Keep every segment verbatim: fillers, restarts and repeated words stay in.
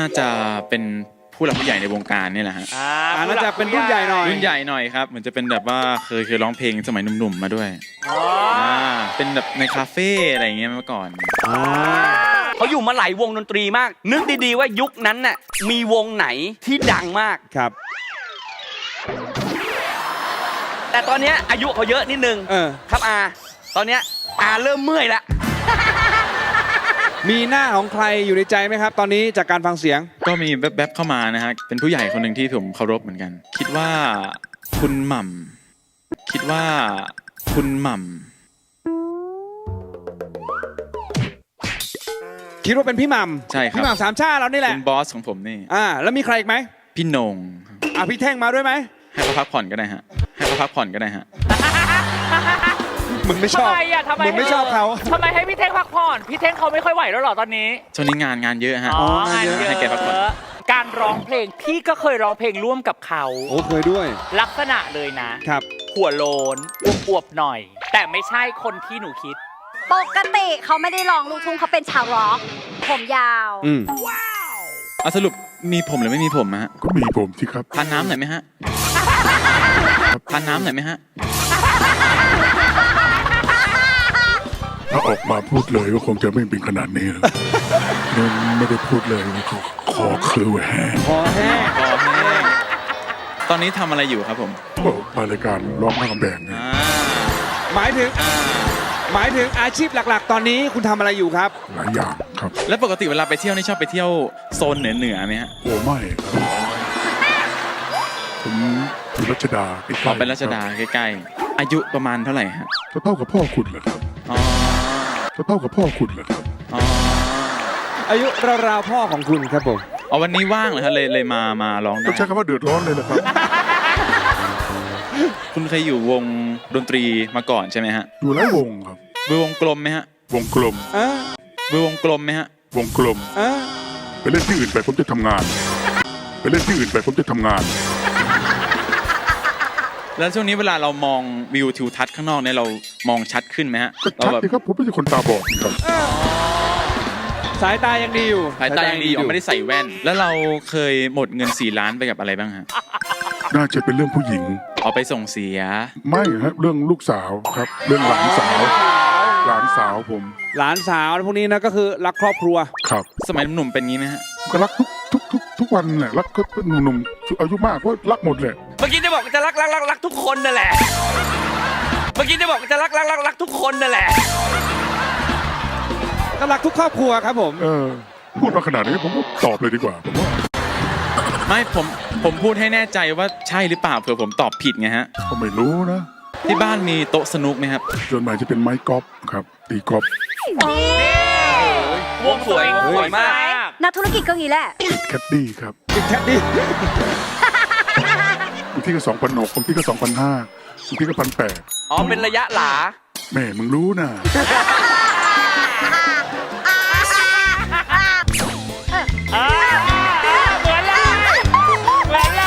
าจะเป็นผู้หลักผู้ใหญ่ในวงการนี่แหละฮะอ่าน่าจะเป็นรุ่นใหญ่หน่อยรุ่นใหญ่หน่อยครับเหมือนจะเป็นแบบว่าเคยเคยร้องเพลงสมัยหนุ่มๆมาด้วยอ๋ออ่าเป็นแบบในคาเฟ่อะไรอย่างเงี้ยเมื่อก่อนอ่าเขาอยู่มาหลายวงดนตรีมาก นึกดีๆว่ายุคนั้นน่ะมีวงไหนที่ดังมากครับแต่ตอนเนี้ยอายุเขาเยอะนิดนึงเออครับอาตอนเนี้ยอาเริ่มเมื่อยละมีหน้าของใครอยู่ในใจไหมครับ ตอนนี้จากการฟังเสียงก็มีแวบๆเข้ามานะฮะเป็นผู้ใหญ่คนหนึ่งที่ผมเคารพเหมือนกัน คิดว่าคุณหม่ำคิดว่าคุณหม่ำคิดว่าเป็นพี่หม่ำใช่ครับพี่หม่ำสามชาติเรานี่แหละเป็นบอสของผมนี่อ่าแล้วมีใครอีกไหมพี่โหนงอ่ะพี่แท่งมาด้วยไหมให้เขาพักผ่อนก็ได้ฮะให้เขาพักผ่อนก็ได้ฮะมึงไม่ชอบทำไมอ่ะทำไมมึงไม่ชอบเขาทำไมให้พี่เท่งพักผ่อนพี่เท่งเขาไม่ค่อยไหวแล้วเหรอตอนนี้ช่วงนี้งานงานเยอะฮะอ๋ออ๋องานเยอะให้แกพักผ่อนการร้องเพลงพี่ก็เคยร้องเพลงร่วมกับเขาโอ้เคยด้วยลักษณะเลยนะครับหัวโลนอวบๆหน่อย แต่ไม่ใช่คนที่หนูคิดปกติเขาไม่ได้ร้องลูกทุ่งเขาเป็นชาวร็อก ผมยาวอืมเอาสรุปมีผมหรือไม่มีผมฮะก็มีผมสิครับทานน้ำหน่อยไหมฮะทานน้ำหน่อยไหมฮะถ้าออกมาพูดเลยก็คงจะไม่เป็นขนาดนี้หรอกยังไม่ได้พูดเลยว่าเขาคอคือแห้งพอแห้งพอแห้งตอนนี้ทำอะไรอยู่ครับผมก็มารายการร้องข้ามแดงเนี่ยอ่าหมายถึงอ่าหมายถึงอาชีพหลักๆ ตอนนี้คุณทำอะไรอยู่ครับหลายอย่างครับแล้วปกติเวลาไปเที่ยวนี่ชอบไปเที่ยวโซนเหนือเหนือๆไหมฮะโอ้ไม่ครับผมอยู่รัชดาใกล้ๆพอเป็นรัชดาใกล้ๆอายุประมาณเท่าไหร่ฮะจะเท่ากับพ่อคุณเหรอครับอ๋อจะเท่ากับพ่อคุณเหรอครับอ๋ออายุราวๆพ่อของคุณครับผมอ๋อวันนี้ว่างเหรอฮะเลยเลยมามาร้องได้ก็ใช้คำว่าเดือดร้อนเลยนะครับคุณเคยอยู่วงดนตรีมาก่อนใช่ไหมฮะอยู่หลายวงครับวิววงกลมไหมฮะวงกลมเออวิววงกลมไหมฮะวงกลมเออไปเล่นที่อื่นไปผมจะทำงาน ไปเล่นที่อื่นไปผมจะทำงานแล้วช่วงนี้เวลาเรามองวิวทิวทัศน์ข้างนอกเนี่ยเรามองชัดขึ้นไหมฮะก็เราชัดแบบสิครับผมไม่ใช่คนตาบอดนี่ครับสายตายังดีอยู่สายตายังดีอยู่ไม่ได้ใส่แว่น แล้วเราเคยหมดเงินสี่ล้านไปกับอะไรบ้างฮะน่าจะเป็นเรื่องผู้หญิงเอาไปส่งเสียไม่ครับเรื่องลูกสาวครับ เรื่องหลานสาว หลานสาวผมหลานสาวพวกนี้นะก็คือรักครอบครัวครับสมัยหนุ่มๆเป็นงี้ไหมฮะก็รักทุกทุกทุกทุกวันแหละรักก็หนุ่มๆอายุมากก็รักหมดแหละเมื่อกี้จะบอกจะรักรักรักรักทุกคนนั่นแหละ เมื่อกี้จะบอกจะรักรักรักรักทุกคนนั่นแหละก็รักทุกครอบครัวครับผมเออ พูดมาขนาดนี้ผมก็ตอบเลยดีกว่าผมว่าไม่ผมผมพูดให้แน่ใจว่าใช่หรือเปล่าเผื่อผมตอบผิดไงฮะก็ไม่รู้นะที่บ้านมีโต๊ะสนุกไหมครับส่วนใหญ่จะเป็นไม้กอล์ฟครับตีกอล์ฟวงสวยสวยมากนักธุรกิจก็งี้แหละติดแคดดี้ครับติดแคดดี้บางที่ก็สองพันหกบางที่ก็สองพันห้าบางที่ก็พันแปดอ๋อเป็นระยะหลาแม่มึงรู้นะอ่าเหมือนเลยเหมือนเลย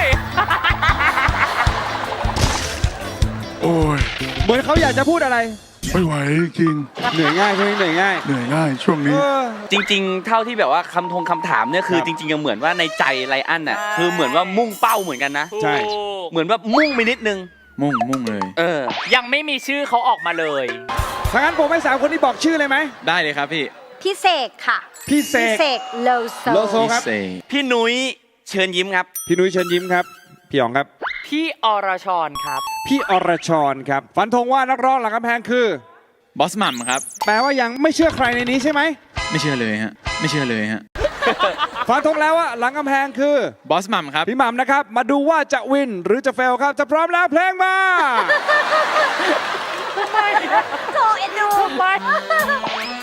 โอ้ยเหมือนเขาอยากจะพูดอะไรไม่ไหวจริงเหนื่อยง่ายใช่ไหมเหนื่อยง่ายเหนื่อยง่ายช่วงเอนี้อจริงๆ เท่าที่แบบว่าคำทงคำถามเนี่ยคือครับจริงๆยังเหมือนว่าในใจไรอันน่ะคือเหมือนว่ามุ่งเป้าเหมือนกันนะใช่เหมือนว่ามุ่งไปนิดนึงมุ่งมุ่งเลยเออยังไม่มีชื่อเขาออกมาเลยถ้างั้นผมให้สามคนนี้บอกชื่อเลยไหมได้เลยครับพี่พี่เสกค่ะพี่เสกเสกโลโซโลโซ ครับพี่เสกพี่นุ้ยเชิญยิ้มครับพี่นุ้ยเชิญยิ้มครับ พี่หยองครับพี่อรชรครับพี่อรชรครับ ฟันธงว่านักร้องหลังกำแพงคือบอสหม่ำครับแปลว่ายังไม่เชื่อใครในนี้ใช่ไหมไม่เชื่อเลยฮะไม่เชื่อเลยฮะฟันธงแล้วว่าหลังกำแพงคือบอสหม่ำครับพี่หม่ำนะครับ มาดูว่าจะวินหรือจะเฟลครับ จะพร้อมแล้วเพลงมาโถเอ็นดูไม่